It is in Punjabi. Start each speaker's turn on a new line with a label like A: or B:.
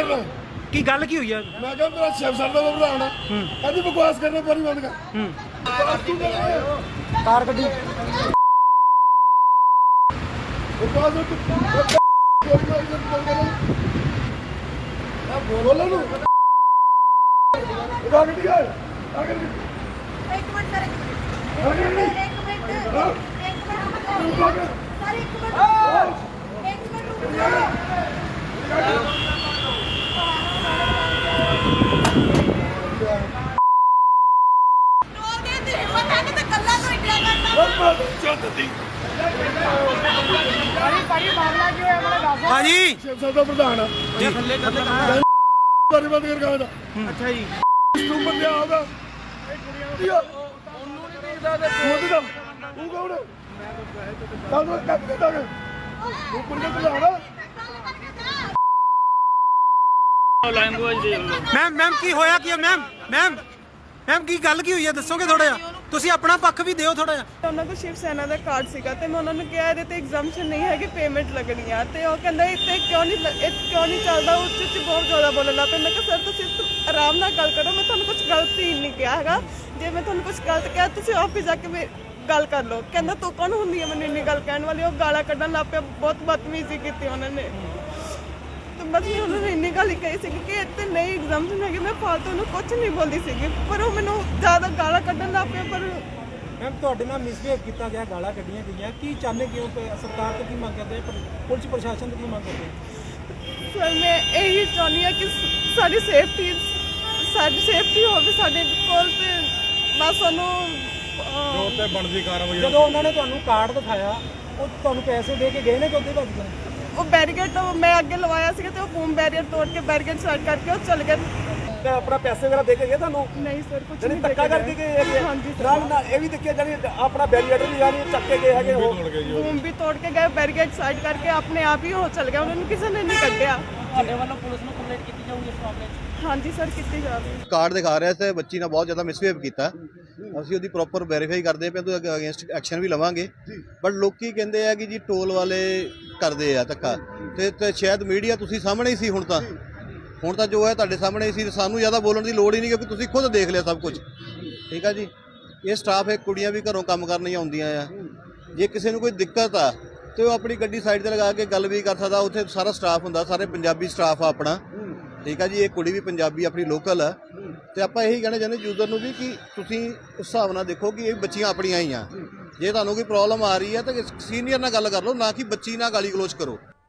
A: करना
B: की गल की हुई है?
A: मैं क्या मेरा शिव सर का प्रधान है कहती बकवास करना पानी बंद कर बकवास तू कर रहा है
B: कार गड्डी
A: बकवास बोलो ना इधर गड्डी यार आगे
C: एक मिनट सर एक मिनट
B: हाँ जी
A: शिव सर का प्रधान है पानी बंद कर कहा था
B: अच्छा जी
A: तू बंदे आगा तू कौन है तू बंदे प्रधान है
B: मैम मैम की होया की मैम मैम मैम की गल की हुई है दसोगे थोड़ा जिहा ਤੁਸੀਂ ਆਪਣਾ ਪੱਖ ਵੀ ਦਿਓ ਥੋੜਾ ਜਿਹਾ।
D: ਉਹਨਾਂ ਕੋਲ ਸ਼ਿਵ ਸੈਨਾ ਦਾ ਕਾਰਡ ਸੀਗਾ ਤੇ ਮੈਂ ਉਹਨਾਂ ਨੂੰ ਕਿਹਾ ਇਹਦੇ ਤੇ ਐਗਜ਼ਾਮਸ਼ਨ ਨਹੀਂ ਹੈ ਕਿ ਪੇਮੈਂਟ ਲੱਗਣੀ ਆ ਤੇ ਉਹ ਕਹਿੰਦਾ ਇੱਥੇ ਕਿਉਂ ਨਹੀਂ ਚੱਲਦਾ ਉੱਚ ਬਹੁਤ ਜ਼ਿਆਦਾ ਬੋਲਣ ਲੱਗ ਪਿਆ। ਮੈਂ ਕਿਹਾ ਸਰ ਤੁਸੀਂ ਆਰਾਮ ਨਾਲ ਗੱਲ ਕਰੋ ਮੈਂ ਤੁਹਾਨੂੰ ਕੁਝ ਗਲਤ ਹੀ ਨਹੀਂ ਕਿਹਾ ਹੈਗਾ ਜੇ ਮੈਂ ਤੁਹਾਨੂੰ ਕੁਝ ਗਲਤ ਕਿਹਾ ਤੁਸੀਂ ਆਫਿਸ ਜਾ ਕੇ ਗੱਲ ਕਰ ਲਓ। ਕਹਿੰਦਾ ਤੂੰ ਕੌਣ ਹੁੰਦੀ ਹੈ ਮੈਨੂੰ ਇੰਨੀ ਗੱਲ ਕਹਿਣ ਵਾਲੀ। ਉਹ ਗਾਲਾਂ ਕੱਢਣ ਲੱਗ ਪਿਆ ਬਹੁਤ ਬਦਤਮੀਜ਼ੀ ਕੀਤੀ ਉਹਨਾਂ ਨੇ ਤੇ ਬਸ ਮੈਂ ਉਹਨਾਂ ਨੂੰ ਇੰਨੀ ਗੱਲ ਹੀ ਕਹੀ ਸੀ ਕਿ ਇੱਥੇ ਨਹੀਂ ਐਗਜ਼ਾਮਸ਼ਨ ਹੈਗੀ। ਮੈਂ ਫਾਲਤੂ ਨੂੰ ਕੁਝ ਨਹੀਂ ਬੋਲਦੀ ਸੀਗੀ ਪਰ ਉਹ ਮੈਨੂੰ ਜ਼ਿਆਦਾ ਗਾਲਾਂ ਕੱਢਣ ਲੱਗ ਪਿਆ। ਪਰ
B: मैम ਤੁਹਾਡੇ ਨਾਲ ਮਿਸਬਿਹੇਵ ਕੀਤਾ ਗਿਆ ਗਾਲਾਂ ਕੱਢੀਆਂ ਗਈਆਂ ਕੀ ਚਾਹੁੰਦੇ ਕਿਉਂ ਸਰਕਾਰ ਤੋਂ ਕੀ ਮੰਗ ਕਰਦੇ ਪੁਲਿਸ ਪ੍ਰਸ਼ਾਸਨ ਤੋਂ ਕੀ ਮੰਗ ਕਰਦੇ?
D: ਸਰ ਮੈਂ ਇਹੀ ਚਾਹੁੰਦੀ ਹਾਂ ਕਿ ਸਾਡੀ ਸੇਫਟੀ ਹੋਵੇ ਸਾਡੇ ਕੋਲ ਤੇ ਬਸ ਉਹਨੂੰ
A: ਤੇ ਬਣਦੀ ਕਾਰਵਾਈ
B: ਜਦੋਂ ਉਹਨਾਂ ਨੇ ਤੁਹਾਨੂੰ ਕਾਰਡ ਦਿਖਾਇਆ ਉਹ ਤੁਹਾਨੂੰ ਪੈਸੇ ਦੇ ਕੇ ਗਏ ਨੇ ਕਿ ਉੱਥੇ ਭੱਜ ਗਏ?
D: ਉਹ ਬੈਰੀਕੇਡ ਮੈਂ ਅੱਗੇ ਲਵਾਇਆ ਸੀਗਾ ਤੇ ਉਹ ਬੂਮ ਬੈਰੀਅਰ ਤੋੜ ਕੇ ਬੈਰੀਕੇਡ ਸਾਈਡ ਕਰਕੇ ਉਹ ਚਲ ਗਏ।
B: ਤੇ ਆਪਣਾ ਪੈਸੇ ਵਗੈਰਾ ਦੇ ਕੇ ਗਏ ਤੁਹਾਨੂੰ?
D: ਨਹੀਂ ਸਰ ਕੁਝ
B: ਜਾਨੀ
D: ਨਹੀਂ
B: ਧੱਕਾ ਕਰਕੇ ਗਏ ਹੈਗੇ?
D: ਹਾਂਜੀ ਸਰ
B: ਨਾਲ ਨਾਲ ਇਹ ਵੀ ਦੇਖਿਆ ਜਾਨੀ ਆਪਣਾ ਬੈਰੀਅਰ ਵੀ ਜਾਨੀ ਚੱਕ ਕੇ ਗਏ ਹੈਗੇ ਉਹ
D: ਬੂਮ ਵੀ ਤੋੜ ਕੇ ਗਏ ਬੈਰੀਕੇਡ ਸਾਈਡ ਕਰਕੇ ਆਪਣੇ ਆਪ ਹੀ ਉਹ ਚਲ ਗਿਆ ਉਹਨਾਂ ਨੂੰ ਕਿਸੇ ਨੇ ਨਹੀਂ ਕੱਢਿਆ।
B: ਤੁਹਾਡੇ ਵੱਲੋਂ ਪੁਲਿਸ ਨੂੰ ਕੰਪਲੇਂਟ ਕੀਤੀ ਜਾਊਗੀ ਇਸ ਮਾਮਲੇ 'ਚ?
D: ਹਾਂਜੀ ਸਰ ਕੀਤੀ ਜਾਵੇ।
E: ਕਾਰਡ ਦਿਖਾ ਰਿਹਾ ਤੇ ਬੱਚੀ ਨਾਲ ਬਹੁਤ ਜ਼ਿਆਦਾ ਮਿਸਬਿਹੇਵ ਕੀਤਾ ਅਸੀਂ ਉਹਦੀ ਪ੍ਰੋਪਰ ਵੈਰੀਫਾਈ ਕਰਦੇ ਪਏ ਤੇ ਅਗੇਂਸਟ ਐਕਸ਼ਨ ਵੀ ਲਵਾਂਗੇ ਬਟ ਲੋਕੀ ਕਹਿੰਦੇ ਆ ਕਿ ਜੀ ਟੋਲ ਵਾਲੇ ਕਰਦੇ ਆ ਧੱਕਾ ਤੇ ਸ਼ਾਇਦ ਮੀਡੀਆ ਤੁਸੀਂ ਸਾਹਮਣੇ ਹੀ ਸੀ ਹੁਣ ਤਾਂ ਜੋ ਹੈ ਤੁਹਾਡੇ ਸਾਹਮਣੇ ਹੀ ਸੀ ਸਾਨੂੰ ਜ਼ਿਆਦਾ ਬੋਲਣ ਦੀ ਲੋੜ ਹੀ ਨਹੀਂ ਕਿਉਂਕਿ ਤੁਸੀਂ ਖੁਦ ਦੇਖ ਲਿਆ ਸਭ ਕੁਝ ਠੀਕ ਆ ਜੀ। ਇਹ ਸਟਾਫ ਹੈ ਕੁੜੀਆਂ ਵੀ ਘਰੋਂ ਕੰਮ ਕਰਨ ਹੀ ਆਉਂਦੀਆਂ ਆ ਜੇ ਕਿਸੇ ਨੂੰ ਕੋਈ ਦਿੱਕਤ ਆ ਤੇ ਉਹ ਆਪਣੀ ਗੱਡੀ ਸਾਈਡ ਤੇ ਲਗਾ ਕੇ ਗੱਲ ਵੀ ਕਰ ਸਕਦਾ ਉੱਥੇ ਸਾਰਾ ਸਟਾਫ ਹੁੰਦਾ ਸਾਰੇ ਪੰਜਾਬੀ ਸਟਾਫ ਆ ਆਪਣਾ ਠੀਕ ਆ ਜੀ। ਇਹ ਕੁੜੀ ਵੀ ਪੰਜਾਬੀ ਆਪਣੀ ਲੋਕਲ ਆ ਤੇ ਆਪਾਂ ਇਹੀ ਕਹਿਣਾ ਚਾਹੁੰਦੇ ਯੂਜ਼ਰ ਨੂੰ ਵੀ ਕਿ ਤੁਸੀਂ ਉਸ ਹਿਸਾਬ ਨਾਲ ਦੇਖੋ ਕਿ ਇਹ ਬੱਚੀਆਂ ਆਪਣੀਆਂ ਹੀ ਆ ਜੇ ਤੁਹਾਨੂੰ ਕੋਈ ਪ੍ਰੋਬਲਮ ਆ ਰਹੀ ਹੈ ਤਾਂ ਸੀਨੀਅਰ ਨਾਲ ਗੱਲ ਕਰ ਲਓ ਨਾ ਕਿ ਬੱਚੀ ਨਾਲ ਗਾਲੀ ਗਲੋਚ ਕਰੋ।